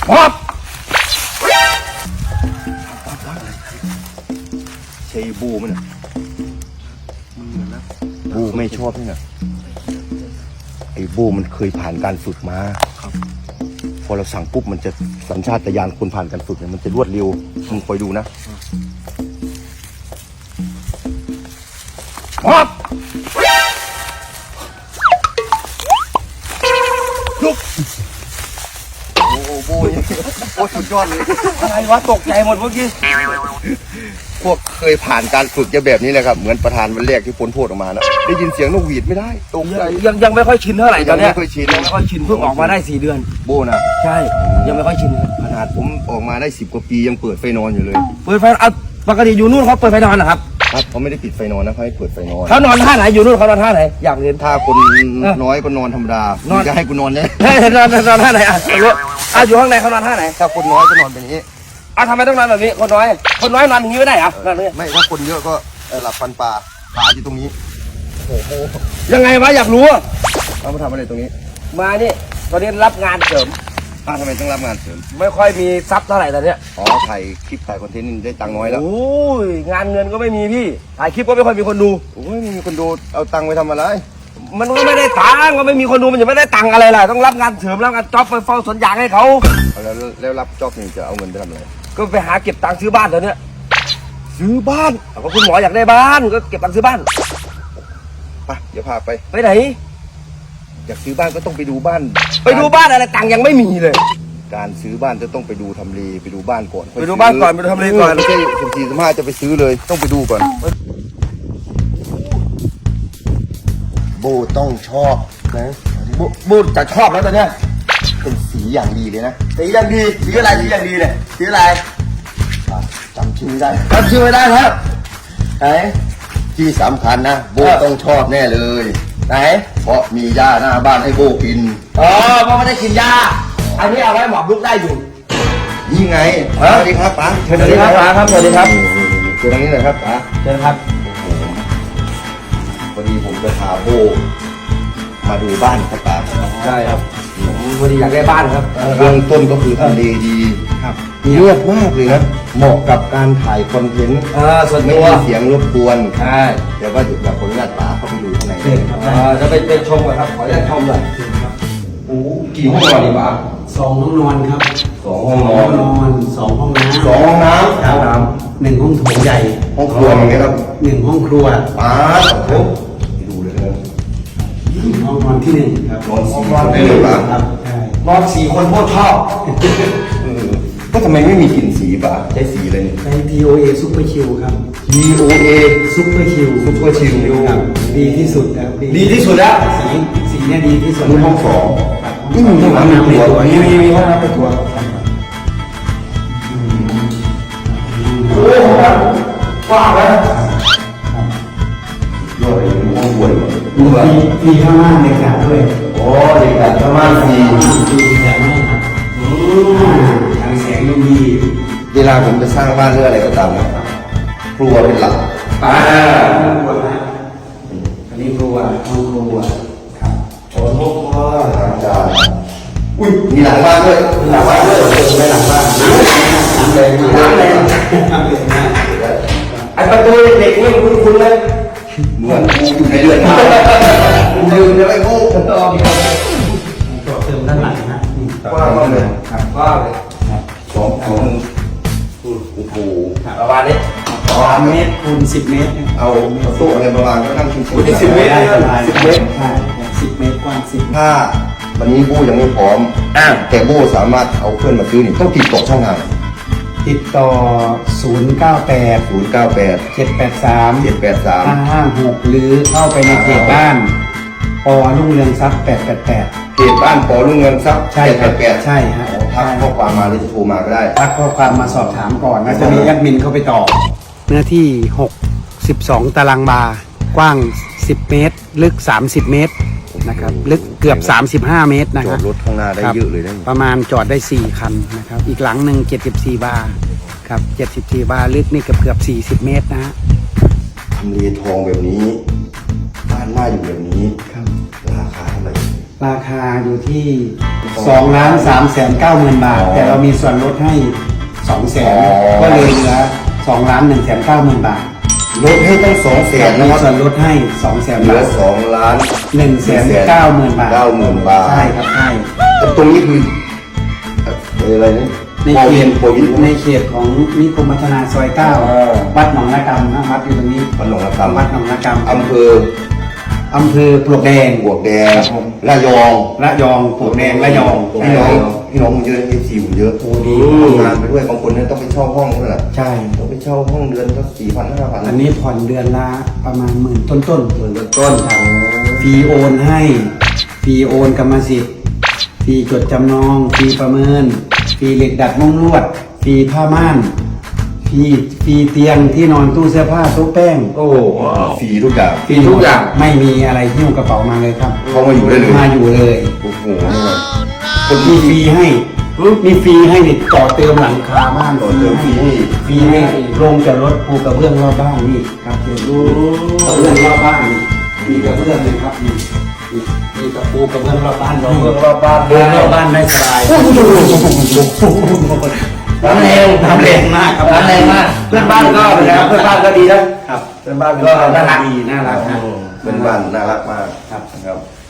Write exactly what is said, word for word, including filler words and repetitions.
ป๊อบใช่บูมันอ่ะบูไม่ชอบนี่นะไอ้บูมันเคยผ่านการฝึกมาพอเราสั่งปุ๊บมันจะสัญชาตญาณคนผ่านการฝึกเนี่ยมันจะรวดเร็วมึงคอยดูนะป๊อบลุกโอ้โหโบยโอ้สุดยอดเลยอะไรวะตกใจหมดเมื่อกี้พวกเคยผ่านการฝึกจะแบบนี้แหละครับเหมือนประธานวันแรกที่พ้นโทษออกมานะได้ยินเสียงนกหวีดไม่ได้ตกใจยังยังไม่ค่อยชินเท่าไหร่ตอนนี้ยังไม่ค่อยชินยังไม่ค่อยชินเพิ่งออกมาได้สี่เดือนโบนะใช่ยังไม่ค่อยชินครับขนาดผมออกมาได้สิบกว่าปียังเปิดไฟนอนอยู่เลยเปิดไฟเอาปกติอยู่นู่นเขาเปิดไฟนอนนะครับครับเขาไม่ได้ปิดไฟนอนนะเขาให้เปิดไฟนอนเขานอนท่าไหนอยู่นู่นเขานอนท่าไหนอยากเรียนถ้าคนน้อยก็นอนธรรมดานอนจะให้กูนอนเนี่ยนอนนอนท่าไหนอ่ะอ่ะอยู่ข้างในเขานอนท่าไหนถ้าคนน้อยก็นอนแบบนี้อ่ะทำไมต้องนอนแบบนี้คนน้อยคนน้อยนอนอย่างนี้ไม่ได้เหรอไม่ถ้าคนเยอะก็หลับฟันปลาขาอยู่ตรงนี้โอ้โหยังไงวะอยากรู้เอามาทำอะไรตรงนี้มานี่ตอนนี้รับงานเสริมอ้าวทำไมต้องรับงานเสริมไม่ค่อยมีทรัพย์เท่าไหร่ตอนนี้อ๋อถ่ายคลิปถ่ายคอนเทนต์นี่ได้ตังค์น้อยแล้วโอ้ยงานเงินก็ไม่มีพี่ถ่ายคลิปก็ไม่ค่อยมีคนดูโอ้ยไม่มีคนดูเอาตังค์ไปทำอะไรมันก็ไม่ได้ตังค์ก็ไม่มีคนดูมันจะไม่ได้ตังค์อะไรล่ะต้องรับงานเสริมรับงานจ็อบไปเฝ้าสวนยางให้เขาแล้วแล้วรับจ็อบนี่จะเอาเงินไปทำอะไรก็ไปหาเก็บตังค์ซื้อบ้านตอนนี้ซื้อบ้านก็คุณหมออยากได้บ้านก็เก็บตังค์ซื้อบ้านไปเดี๋ยวพาไปไปไหนอยากซื้อบ้านก็ต้องไปดูบ้านไปดูบ้านอะไรตังค์ยังไม่มีเลยการซื้อบ้านจะต้องไปดูทำเลไปดูบ้านก่อนไปดูบ้านก่อนไปดูทำเลก่อนไม่ใช่สิบสี่สิบห้าจะไปซื้อเลยต้องไปดูก่อนโบต้องชอบนะโบโบจะชอบแล้วตอนเนี้ยเป็นสีอย่างดีเลยนะสีอย่างดีสีอะไรสีอย่างดีเลยสีอะไรจำชื่อไม่ได้จำชื่อไม่ได้ครับไหนที่สำคัญนะโบต้องชอบแน่เลยไหนเพราะมีหญ้าหน้าบ้านให้โบกินอ๋อเพราะไม่ได้กินหญ้าอันนี้เอาไว้หมอบลุกได้อยู่นี่ไงสวัสดีครับป๋าสวัสดีครับป๋าครับสวัสดีครับเชิญทางนี้เลยครับป๋าเชิญครับพอดีผมจะพาโบมาดูบ้านครับป๋าใช่ครับผมพอดีอยากได้บ้านครับเบื้องต้นก็คือทำเลดีครับเงียบมากเลยนะเหมาะกับการถ่ายคอนเทนต์ส่วนไม่ตัวมีเสียงรบกวนใช่แต่ว่าอยากขออนุญาตป๋าเข้าไปดูข้างในจะไปไปชมก่อนครับขออนุญาตชมเลยโอ้กี่ห้องนอนดีป๋าสองห้องนอนครับสองห้องนอนสองห้องน้ำสองห้องน้ำห้องน้ำหนึ่งห้องโถงใหญ่ห้องครัวอย่างเงี้ยครับหนึ่งห้องครัวป๋าโอ้ดูเลยนะห้องนอนที่หนึ่งครับนอนห้องนอนได้เลยป๋าครับใช่นอนสี่คนโคตรชอบก็ทำไมไม่มีกลิ่นสีป๋าใช้สีอะไรเนี่ยใช้ ที โอ เอ Super Chill ครับที โอ เอ Super Chill Super Chill ครับดีที่สุดครับดีที่สุดแล้วสีสีเนี่ยดีที่สุดนี่ห้องสองนี่มีห้องน้ำในตัวมีมีมีห้องน้ำในตัวโอ้โหกว้างเลยย่อยห้องครัวดูแบบมีข้างล่างในกาด้วยโอ้เด็กแบบข้างล่างสีสีแบบนี้ครับทางแสงดูดีเวลาผมจะสร้างบ้านเรื่องอะไรก็ตามนะครัวเป็นหลักอ่าครัวนะอันนี้ครัวห้องครัวครับโอ้โหล้างจานอุ้ยมีหลังบ้านด้วยมีหลังบ้านด้วยไม่หลังบ้านน้ำแดงน้ำแดงน้ำแดงนะไอประตูเด็กนี่คุณคุณเลยเหมือนกูอยู่ในเรือนมาลืมจะไม่พูดต่อเติมด้านหลังนะกว้างมากเลยกว้างเลยสองสองโอ้โหประมาณนี้สามเมตรคูณสิบเมตรเอาโต๊ะอะไรประมาณก็นั่งชิวๆสิบเมตรสิบเมตรใช่สิบเมตรกว้างสิบถ้าวันนี้บูยังไม่พร้อมแต่บูสามารถเอาเพื่อนมาซื้อนี่ต้องติดต่อช่องทางติดต่อศูนย์เก้าแปดศูนย์เก้าแปดเจ็ดแปดสามเจ็ดแปดสามห้าห้าหกหรือเข้าไปในเพจบ้านปอรุ่งเรืองทรัพย์แปดแปดแปดเพจบ้านปอรุ่งเรืองทรัพย์ใช่ครับใช่ฮะทักข้อความมาหรือจะโทรมาก็ได้ทักข้อความมาสอบถามก่อนนะจะมีแอดมินเข้าไปตอบเนื้อที่หกสิบสองตารางวากว้างสิบเมตรลึกสามสิบเมตรนะครับลึกเกือบสามสิบห้าเมตรนะครับบจอดรถข้างหน้าได้เยอะเลยนะประมาณจอดได้สี่คันนะครับอีกหลังหนึ่งเจ็ดสิบสี่บาร์ครับเจ็ดสิบสี่บาร์ลึกนี่เกือบเกือบสี่สิบเมตรนะฮะทำเลทองแบบนี้บ้านหน้าอยู่แบบนี้ราคาเท่าไหร่ราคาอยู่ที่สองล้านสามแสนเก้าหมื่นบาท แต่เรามีส่วนลดให้สองแสนก็เลยเหลือสองล้านหนึ่งแสนเก้าหมื่นบาทลดให้ตั้งสองแสนมีนะครับส่วนลดให้สองแสนเหลืบาอทสองล้านหนึ่งแสนเก้าหมื่นบาทเก้าหมื่นบาทใช่ครับใช่แต่ตรงนี้คือเอ่ออะไรนี่ในโปรเขวิตนโปรวินในเขตของนิคมพัฒนาซอยเก้าอ่าวัดหนองระกำนะวัดอยู่ตรงนี้วัดหนองระกำวัดหนองระกำอำเภออำเภอปลวกแดงบวกแดงครับผมระยองระยองปลวกแดงระยองพี่น้องพี่น้องเยอะเอฟซีผมเยอะโอ้ดีทำงานไปด้วยบางคนเนี่ยต้องไปเช่าห้องนั่นแหละใช่ต้องไปเช่าห้องเดือนก็สี่พันห้าพันอันนี้ผ่อนเดือนละประมาณหมื่นต้นต้นๆหมื่นต้นครับฟรีโอนให้ฟรีโอนกรรมสิทธิ์ฟรีจดจำนองฟรีประเมินฟรีเหล็กดัดมุ้งลวดฟรีผ้าม่านฟรีฟรีเตียงที่นอนตู้เสื้อผ้าโต๊ะแป้งโอ้ฟรีทุกอย่างฟรีทุกอย่างไม่มีอะไรหิ้วกระเป๋ามาเลยครับเขามาอยู่ได้เลยมาอยู่เลยโอ้โหนี่แบบคนมีฟรีให้มีฟรีให้นี่ต่อเติมหลังคาบ้านต่อเติมฟรีให้ฟรีให้โรงจอดรถปูกระเบื้องรอบบ้านนี่ครับเดี๋ยวดูกระเบื้องรอบบ้านนี่มีกระเบื้องเลยครับนี่นี่มีกระปูกระเบื้องรอบบ้านเมืองรอบบ้านเดินรอบบ้านได้สบายน้ำแรงน้ำแรงมากครับน้ำแรงมากเพื่อนบ้านก็เป็นไงครับเพื่อนบ้านก็ดีนะครับ เพื่อนบ้านก็น่ารักดีน่ารักนะเป็นบ้านน่ารักมากครับนะครับ